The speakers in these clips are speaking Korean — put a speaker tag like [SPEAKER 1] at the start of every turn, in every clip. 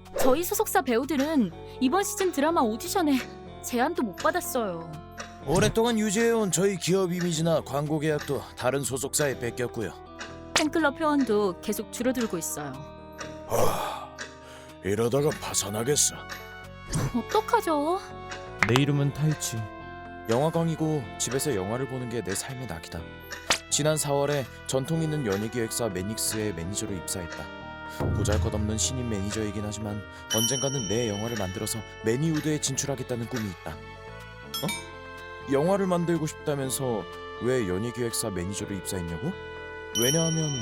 [SPEAKER 1] 저희 소속사 배우들은 이번 시즌 드라마 오디션에 제안도 못 받았어요.
[SPEAKER 2] 오랫동안 유지해온 저희 기업 이미지나 광고 계약도 다른 소속사에 뺏겼고요.
[SPEAKER 1] 팬클럽 회원도 계속 줄어들고 있어요.
[SPEAKER 2] 이러다가 파산하겠어.
[SPEAKER 1] 어떡하죠?
[SPEAKER 2] 내 이름은 타이치. 영화광이고 집에서 영화를 보는 게 내 삶의 낙이다. 지난 4월에 전통 있는 연예기획사 매닉스의 매니저로 입사했다. 보잘것없는 신인 매니저이긴 하지만 언젠가는 내 영화를 만들어서 매니우드에 진출하겠다는 꿈이 있다. 영화를 만들고 싶다면서 왜 연예기획사 매니저로 입사했냐고? 왜냐하면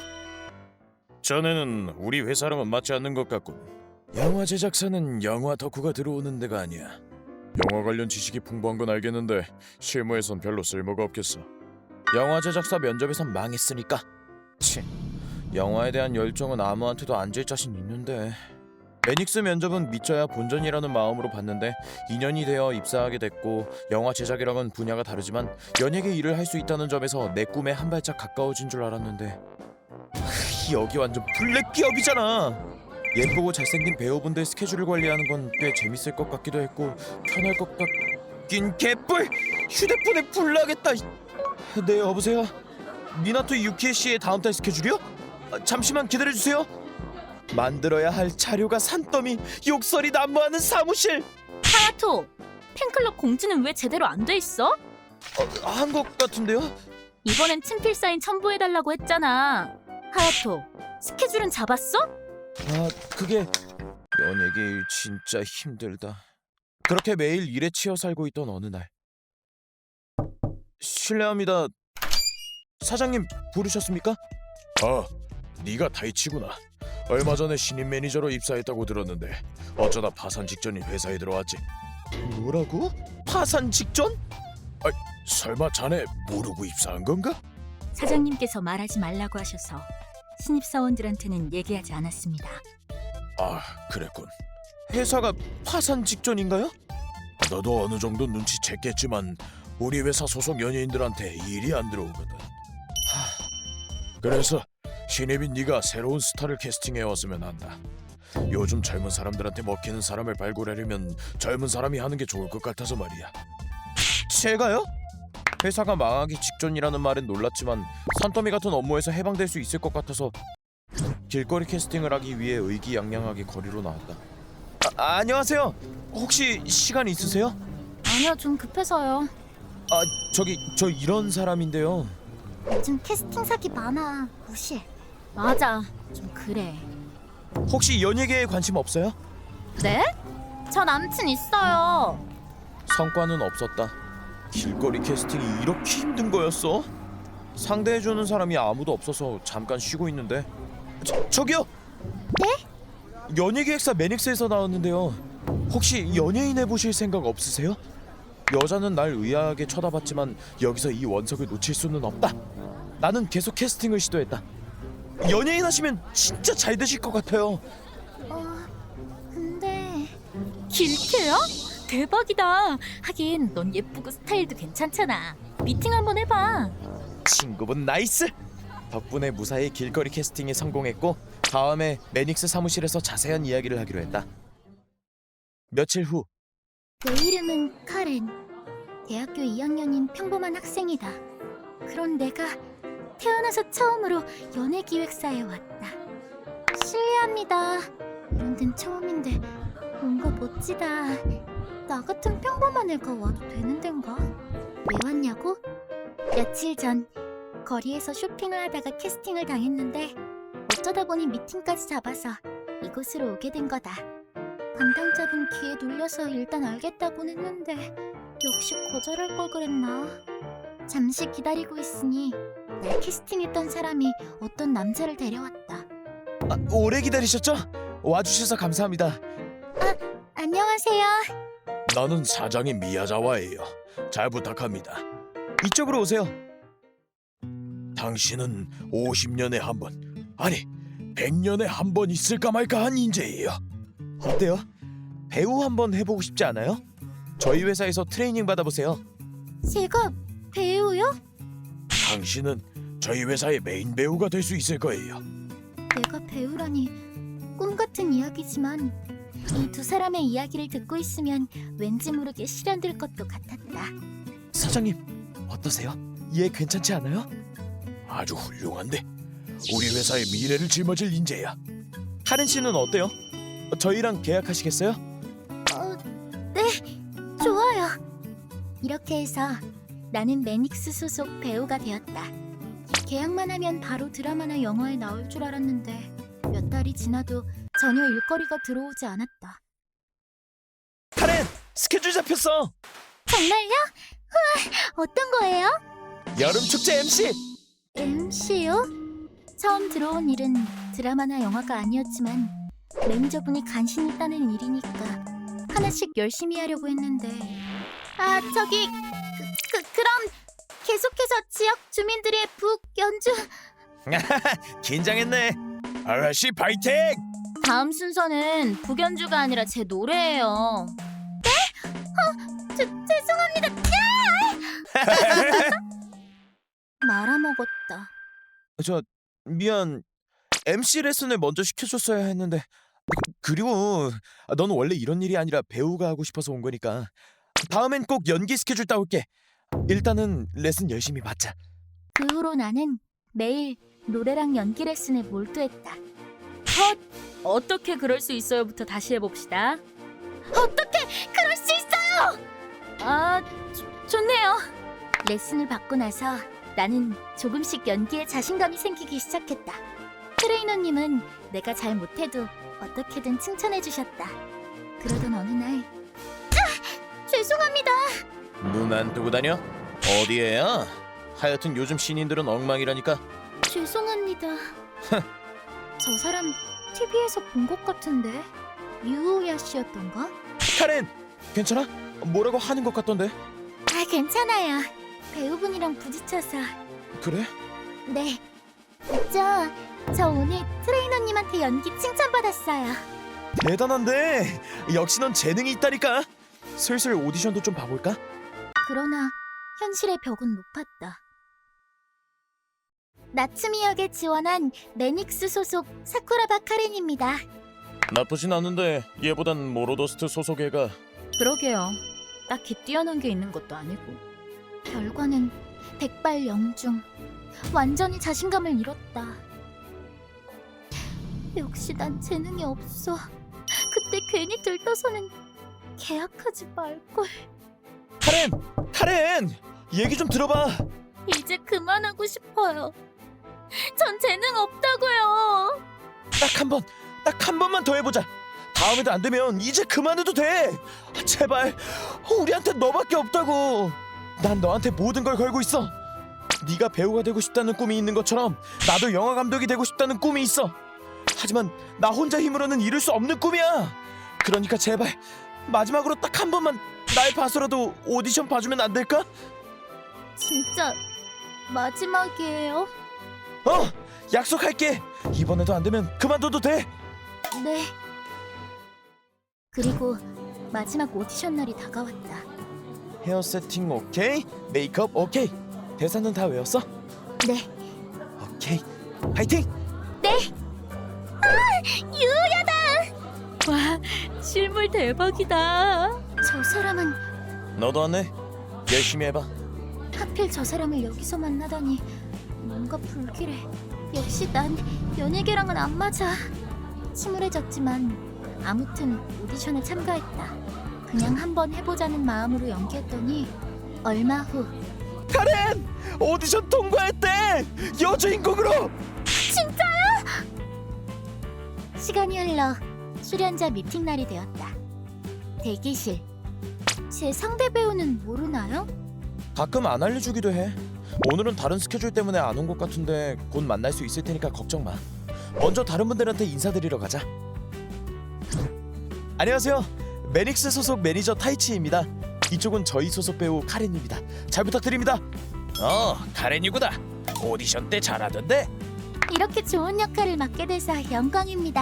[SPEAKER 2] 전에는 우리 회사랑은 맞지 않는 것 같군. 영화 제작사는 영화 덕후가 들어오는 데가 아니야. 영화 관련 지식이 풍부한 건 알겠는데 실무에선 별로 쓸모가 없겠어. 영화 제작사 면접에선 망했으니까. 영화에 대한 열정은 아무한테도 안 질 자신 있는데. 매닉스 면접은 믿져야 본전이라는 마음으로 봤는데 2년이 되어 입사하게 됐고 영화 제작이랑은 분야가 다르지만 연예계 일을 할 수 있다는 점에서 내 꿈에 한 발짝 가까워진 줄 알았는데 여기 완전 블랙 기업이잖아. 예쁘고 잘생긴 배우분들 스케줄을 관리하는 건 꽤 재밌을 것 같기도 했고 편할 것 같긴 개뿔! 휴대폰에 불 나겠다. 네 여보세요? 미나토 유키에 씨의 다음 달 스케줄이요? 잠시만 기다려주세요. 만들어야 할 자료가 산더미, 욕설이 난무하는 사무실.
[SPEAKER 1] 하야토! 팬클럽 공지는 왜 제대로 안 돼 있어?
[SPEAKER 2] 한 것 같은데요?
[SPEAKER 1] 이번엔 친필 사인 첨부해달라고 했잖아. 하야토, 스케줄은 잡았어?
[SPEAKER 2] 그게 연예계 일 진짜 힘들다. 그렇게 매일 일에 치여 살고 있던 어느 날. 실례합니다. 사장님 부르셨습니까? 네가 타이치구나. 얼마 전에 신인 매니저로 입사했다고 들었는데 어쩌다 파산 직전인 회사에 들어왔지. 뭐라고? 파산 직전? 설마 자네 모르고 입사한 건가?
[SPEAKER 1] 사장님께서 말하지 말라고 하셔서 신입사원들한테는 얘기하지 않았습니다.
[SPEAKER 2] 그랬군. 회사가 파산 직전인가요? 너도 어느 정도 눈치챘겠지만 우리 회사 소속 연예인들한테 일이 안 들어오거든. 그래서 신입인 네가 새로운 스타를 캐스팅해왔으면 한다. 요즘 젊은 사람들한테 먹히는 사람을 발굴하려면 젊은 사람이 하는 게 좋을 것 같아서 말이야. 제가요? 회사가 망하기 직전이라는 말엔 놀랐지만 산더미 같은 업무에서 해방될 수 있을 것 같아서 길거리 캐스팅을 하기 위해 의기양양하게 거리로 나왔다. 안녕하세요. 혹시 시간 있으세요?
[SPEAKER 1] 아니요, 좀 급해서요.
[SPEAKER 2] 저 이런 사람인데요.
[SPEAKER 1] 요즘 캐스팅 사기 많아. 무시해. 맞아, 좀 그래.
[SPEAKER 2] 혹시 연예계에 관심 없어요?
[SPEAKER 1] 네? 저 남친 있어요.
[SPEAKER 2] 성과는 없었다. 길거리 캐스팅이 이렇게 힘든 거였어? 상대해주는 사람이 아무도 없어서 잠깐 쉬고 있는데. 저기요!
[SPEAKER 1] 네?
[SPEAKER 2] 연예기획사 매닉스에서 나왔는데요. 혹시 연예인 해보실 생각 없으세요? 여자는 날 의아하게 쳐다봤지만 여기서 이 원석을 놓칠 수는 없다. 나는 계속 캐스팅을 시도했다. 연예인 하시면 진짜 잘 되실 것 같아요.
[SPEAKER 1] 근데 길캐야? 대박이다. 하긴 넌 예쁘고 스타일도 괜찮잖아. 미팅 한번 해봐.
[SPEAKER 2] 친구분 나이스! 덕분에 무사히 길거리 캐스팅에 성공했고 다음에 매닉스 사무실에서 자세한 이야기를 하기로 했다. 며칠 후.
[SPEAKER 1] 내 이름은 카렌. 대학교 2학년인 평범한 학생이다. 그런 내가 태어나서 처음으로 연예기획사에 왔다. 실례합니다. 이런 데는 처음인데 뭔가 멋지다. 나 같은 평범한 애가 와도 되는 덴가? 왜 왔냐고? 며칠 전 거리에서 쇼핑을 하다가 캐스팅을 당했는데 어쩌다 보니 미팅까지 잡아서 이곳으로 오게 된 거다. 담당자분 귀에 눌려서 일단 알겠다곤 했는데 역시 거절할 걸 그랬나? 잠시 기다리고 있으니 날 캐스팅했던 사람이 어떤 남자를 데려왔다.
[SPEAKER 2] 오래 기다리셨죠? 와주셔서 감사합니다.
[SPEAKER 1] 안녕하세요.
[SPEAKER 2] 나는 사장인 미야자와예요. 잘 부탁합니다. 이쪽으로 오세요. 당신은 50년에 한 번, 아니 100년에 한 번 있을까 말까 한 인재예요. 어때요? 배우 한번 해보고 싶지 않아요? 저희 회사에서 트레이닝 받아보세요.
[SPEAKER 1] 제가 배우요?
[SPEAKER 2] 당신은 저희 회사의 메인 배우가 될 수 있을 거예요.
[SPEAKER 1] 내가 배우라니 꿈 같은 이야기지만 이 두 사람의 이야기를 듣고 있으면 왠지 모르게 실현될 것도 같았다.
[SPEAKER 3] 사장님 어떠세요? 얘 괜찮지 않아요?
[SPEAKER 2] 아주 훌륭한데 우리 회사의 미래를 짊어질 인재야.
[SPEAKER 3] 카렌 씨는 어때요? 저희랑 계약하시겠어요?
[SPEAKER 1] 네, 좋아요. 이렇게 해서 나는 매닉스 소속 배우가 되었다. 계약만 하면 바로 드라마나 영화에 나올 줄 알았는데 몇 달이 지나도 전혀 일거리가 들어오지 않았다.
[SPEAKER 3] 카렌 스케줄 잡혔어.
[SPEAKER 1] 정말요? 우와, 어떤 거예요?
[SPEAKER 3] 여름 축제 MC.
[SPEAKER 1] MC요? 처음 들어온 일은 드라마나 영화가 아니었지만 매니저분이 간신히 따는 일이니까 하나씩 열심히 하려고 했는데 저기 그럼 계속해서 지역 주민들의 북 연주
[SPEAKER 3] 긴장했네.
[SPEAKER 2] 아가씨 파이팅!
[SPEAKER 1] 다음 순서는 북연주가 아니라 제 노래예요. 네? 죄송합니다. 말아먹었다.
[SPEAKER 3] 저 미안. MC 레슨을 먼저 시켜줬어야 했는데 그리고 넌 원래 이런 일이 아니라 배우가 하고 싶어서 온 거니까 다음엔 꼭 연기 스케줄 따올게. 일단은 레슨 열심히 받자.
[SPEAKER 1] 그 후로 나는 매일 노래랑 연기 레슨에 몰두했다. 어떻게 그럴 수 있어요부터 다시 해봅시다. 어떻게 그럴 수 있어요? 좋네요. 레슨을 받고 나서 나는 조금씩 연기에 자신감이 생기기 시작했다. 트레이너님은 내가 잘 못해도 어떻게든 칭찬해주셨다. 그러던 어느 날 죄송합니다.
[SPEAKER 2] 눈 안 뜨고 다녀? 어디에야? 하여튼 요즘 신인들은 엉망이라니까.
[SPEAKER 1] 죄송합니다. 저 사람 TV에서 본 것 같은데 유우야 씨였던가?
[SPEAKER 3] 카렌 괜찮아? 뭐라고 하는 것 같던데.
[SPEAKER 1] 괜찮아요. 배우분이랑 부딪혀서.
[SPEAKER 3] 그래?
[SPEAKER 1] 네. 저 오늘 트레이너님한테 연기 칭찬받았어요.
[SPEAKER 3] 대단한데 역시 넌 재능이 있다니까. 슬슬 오디션도 좀 봐볼까?
[SPEAKER 1] 그러나 현실의 벽은 높았다. 나츠미 역에 지원한 매닉스 소속 사쿠라바 카렌입니다.
[SPEAKER 2] 나쁘진 않은데 얘보단 모로더스트 소속 애가.
[SPEAKER 1] 그러게요. 딱히 뛰어난 게 있는 것도 아니고. 결과는 백발영중. 완전히 자신감을 잃었다. 역시 난 재능이 없어. 그때 괜히 들떠서는 계약하지 말걸.
[SPEAKER 3] 카렌 얘기 좀 들어봐.
[SPEAKER 1] 이제 그만하고 싶어요. 전 재능 없다고요.
[SPEAKER 3] 딱 한 번만 더 해보자. 다음에도 안 되면 이제 그만해도 돼. 제발. 우리한테 너밖에 없다고. 난 너한테 모든 걸 걸고 있어. 네가 배우가 되고 싶다는 꿈이 있는 것처럼 나도 영화 감독이 되고 싶다는 꿈이 있어. 하지만 나 혼자 힘으로는 이룰 수 없는 꿈이야. 그러니까 제발 마지막으로 딱 한 번만 날 봐서라도 오디션 봐주면 안 될까?
[SPEAKER 1] 진짜 마지막이에요?
[SPEAKER 3] 약속할게. 이번에도 안 되면 그만둬도 돼.
[SPEAKER 1] 네. 그리고 마지막 오디션 날이 다가왔다.
[SPEAKER 3] 헤어 세팅 오케이, 메이크업 오케이. 대사는 다 외웠어?
[SPEAKER 1] 네.
[SPEAKER 3] 오케이. 파이팅!
[SPEAKER 1] 네. 유야다. 와, 실물 대박이다. 저 사람은
[SPEAKER 2] 너도 안 해? 열심히 해봐.
[SPEAKER 1] 하필 저 사람을 여기서 만나다니 뭔가 불길해. 역시 난 연예계랑은 안 맞아. 침울해졌지만 아무튼 오디션에 참가했다. 그냥 한번 해보자는 마음으로 연기했더니 얼마 후
[SPEAKER 3] 카렌! 오디션 통과했대! 여주인공으로!
[SPEAKER 1] 시간이 흘러 출연자 미팅 날이 되었다. 대기실. 제 상대 배우는 모르나요?
[SPEAKER 3] 가끔 안 알려주기도 해. 오늘은 다른 스케줄 때문에 안 온 것 같은데 곧 만날 수 있을 테니까 걱정 마. 먼저 다른 분들한테 인사드리러 가자. 안녕하세요. 매닉스 소속 매니저 타이치입니다. 이쪽은 저희 소속 배우 카렌입니다. 잘 부탁드립니다.
[SPEAKER 2] 카렌이구나. 오디션 때 잘하던데.
[SPEAKER 1] 이렇게 좋은 역할을 맡게 돼서 영광입니다.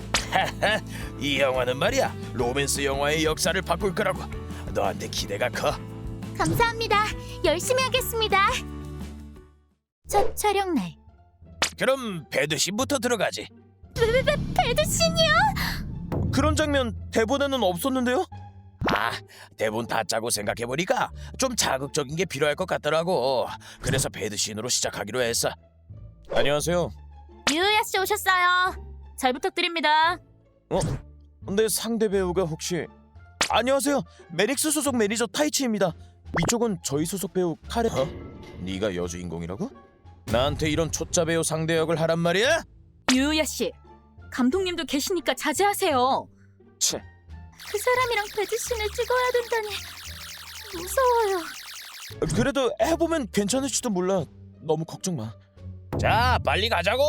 [SPEAKER 2] 이 영화는 말이야 로맨스 영화의 역사를 바꿀 거라고. 너한테 기대가 커.
[SPEAKER 1] 감사합니다. 열심히 하겠습니다. 첫 촬영 날.
[SPEAKER 2] 그럼 배드신부터 들어가지.
[SPEAKER 1] 왜 배드신이야?
[SPEAKER 3] 그런 장면 대본에는 없었는데요?
[SPEAKER 2] 아, 대본 다 짜고 생각해보니까 좀 자극적인 게 필요할 것 같더라고. 그래서 배드신으로 시작하기로 했어. 안녕하세요.
[SPEAKER 1] 유야 씨 오셨어요. 잘 부탁드립니다.
[SPEAKER 3] 근데 상대 배우가 혹시... 안녕하세요. 메닉스 소속 매니저 타이치입니다. 이쪽은 저희 소속 배우 카렌...
[SPEAKER 2] 네가 여주인공이라고? 나한테 이런 초짜 배우 상대 역을 하란 말이야?
[SPEAKER 4] 유야 씨, 감독님도 계시니까 자제하세요.
[SPEAKER 3] 채.
[SPEAKER 1] 그 사람이랑 배드신을 찍어야 된다니 무서워요.
[SPEAKER 3] 그래도 해보면 괜찮을지도 몰라. 너무 걱정 마.
[SPEAKER 2] 자, 빨리 가자고.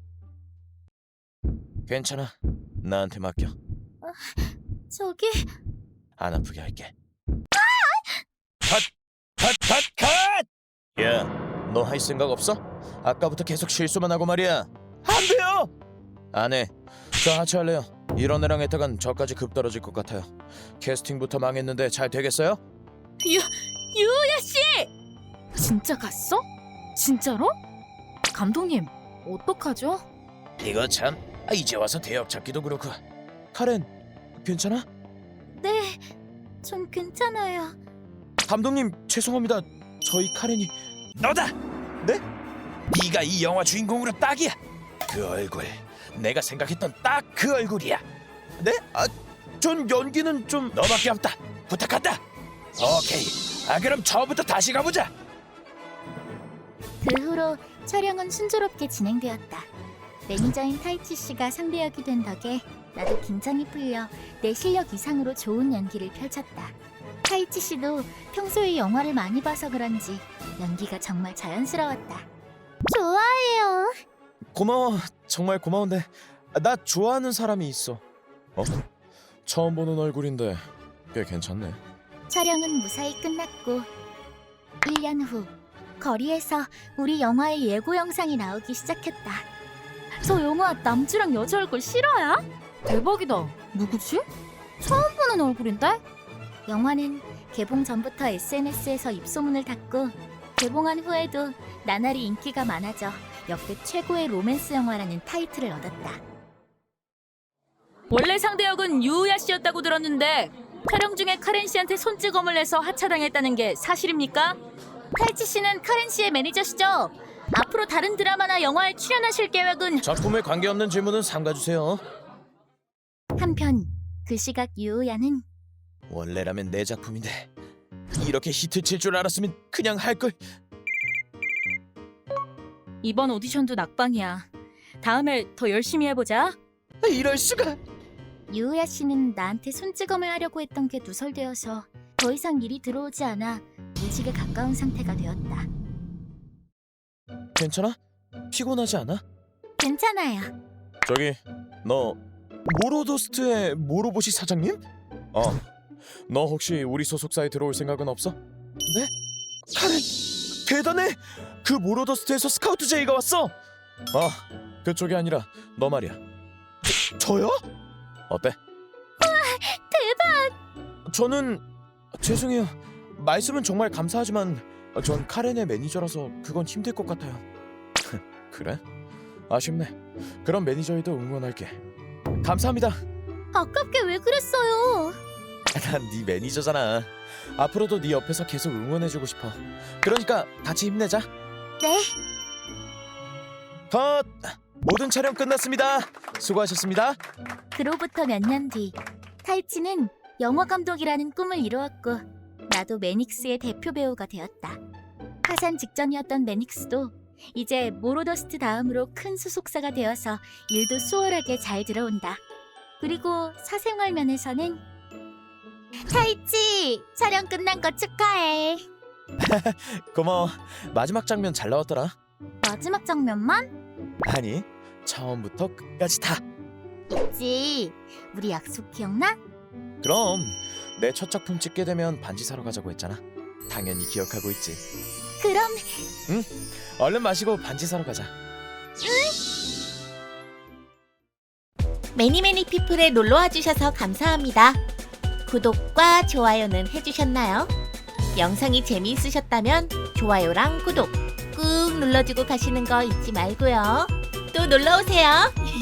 [SPEAKER 3] 괜찮아. 나한테 맡겨.
[SPEAKER 1] 저기
[SPEAKER 3] 안 아프게 할게.
[SPEAKER 2] 컷!
[SPEAKER 3] 야, 너 할 생각 없어? 아까부터 계속 실수만 하고 말이야. 안 돼요. 안 해. 저 하차할래요. 이런 애랑 했다간 저까지 급 떨어질 것 같아요. 캐스팅부터 망했는데 잘 되겠어요?
[SPEAKER 4] 유야 씨! 진짜 갔어? 진짜로? 감독님, 어떡하죠?
[SPEAKER 2] 이거 참, 이제 와서 대역 찾기도 그렇고.
[SPEAKER 3] 카렌, 괜찮아?
[SPEAKER 1] 네, 전 괜찮아요.
[SPEAKER 3] 감독님 죄송합니다. 저희 카렌이...
[SPEAKER 2] 너다.
[SPEAKER 3] 네?
[SPEAKER 2] 네가 이 영화 주인공으로 딱이야. 그 얼굴, 내가 생각했던 딱 그 얼굴이야.
[SPEAKER 3] 네? 전 연기는 좀...
[SPEAKER 2] 너밖에 없다. 부탁한다. 오케이. 그럼 처음부터 다시 가보자.
[SPEAKER 1] 그 후로 촬영은 순조롭게 진행되었다. 매니저인 타이치 씨가 상대역이 된 덕에 나도 긴장이 풀려 내 실력 이상으로 좋은 연기를 펼쳤다. 타이치 씨도 평소에 영화를 많이 봐서 그런지 연기가 정말 자연스러웠다. 좋아해요.
[SPEAKER 3] 고마워. 정말 고마운데 나 좋아하는 사람이 있어. 처음 보는 얼굴인데 꽤 괜찮네.
[SPEAKER 1] 촬영은 무사히 끝났고 1년 후 거리에서 우리 영화의 예고 영상이 나오기 시작했다.
[SPEAKER 4] 저 영화 남주랑 여자 얼굴 실화야? 대박이다. 누구지? 처음 보는 얼굴인데?
[SPEAKER 1] 영화는 개봉 전부터 SNS에서 입소문을 탔고 개봉한 후에도 나날이 인기가 많아져 역대 최고의 로맨스 영화라는 타이틀을 얻었다.
[SPEAKER 4] 원래 상대역은 유야 씨였다고 들었는데 촬영 중에 카렌 씨한테 손찌검을 해서 하차당했다는 게 사실입니까?
[SPEAKER 1] 타이치 씨는 카렌 씨의 매니저시죠? 앞으로 다른 드라마나 영화에 출연하실 계획은?
[SPEAKER 3] 작품에 관계없는 질문은 삼가주세요.
[SPEAKER 1] 한편 그 시각 유우야는
[SPEAKER 3] 원래라면 내 작품인데 이렇게 히트 칠 줄 알았으면 그냥 할걸.
[SPEAKER 4] 이번 오디션도 낙방이야. 다음에 더 열심히 해보자.
[SPEAKER 3] 이럴 수가.
[SPEAKER 1] 유우야 씨는 나한테 손찌검을 하려고 했던 게 누설되어서 더 이상 일이 들어오지 않아 무직에 가까운 상태가 되었다.
[SPEAKER 3] 괜찮아? 피곤하지 않아?
[SPEAKER 1] 괜찮아요.
[SPEAKER 3] 저기 너 모로더스트의 모로보시 사장님? 너 혹시 우리 소속사에 들어올 생각은 없어? 네? 카렌 대단해! 그 모로더스트에서 스카우트 제이가 왔어! 그쪽이 아니라 너 말이야. 저요? 어때?
[SPEAKER 1] 대박!
[SPEAKER 3] 저는 죄송해요. 말씀은 정말 감사하지만 전 카렌의 매니저라서 그건 힘들 것 같아요. 그래? 아쉽네. 그럼 매니저에도 응원할게. 감사합니다.
[SPEAKER 1] 아깝게 왜 그랬어요?
[SPEAKER 3] 난 네 매니저잖아. 앞으로도 네 옆에서 계속 응원해주고 싶어. 그러니까 같이 힘내자.
[SPEAKER 1] 네.
[SPEAKER 3] 컷! 모든 촬영 끝났습니다. 수고하셨습니다.
[SPEAKER 1] 그로부터 몇 년 뒤 타이치는 영화 감독이라는 꿈을 이루었고 나도 매닉스의 대표 배우가 되었다. 파산 직전이었던 매닉스도 이제 모로더스트 다음으로 큰 소속사가 되어서 일도 수월하게 잘 들어온다. 그리고 사생활 면에서는 타이치 촬영 끝난 거 축하해.
[SPEAKER 3] 고마워. 마지막 장면 잘 나왔더라.
[SPEAKER 1] 마지막 장면만?
[SPEAKER 3] 아니, 처음부터 끝까지 다.
[SPEAKER 1] 있지. 우리 약속 기억나?
[SPEAKER 3] 그럼 내 첫 작품 찍게 되면 반지 사러 가자고 했잖아. 당연히 기억하고 있지.
[SPEAKER 1] 그럼
[SPEAKER 3] 얼른 마시고 반지 사러 가자.
[SPEAKER 5] 매니매니 피플에 놀러와 주셔서 감사합니다. 구독과 좋아요는 해주셨나요? 영상이 재미있으셨다면 좋아요랑 구독 꾹 눌러주고 가시는 거 잊지 말고요. 또 놀러오세요.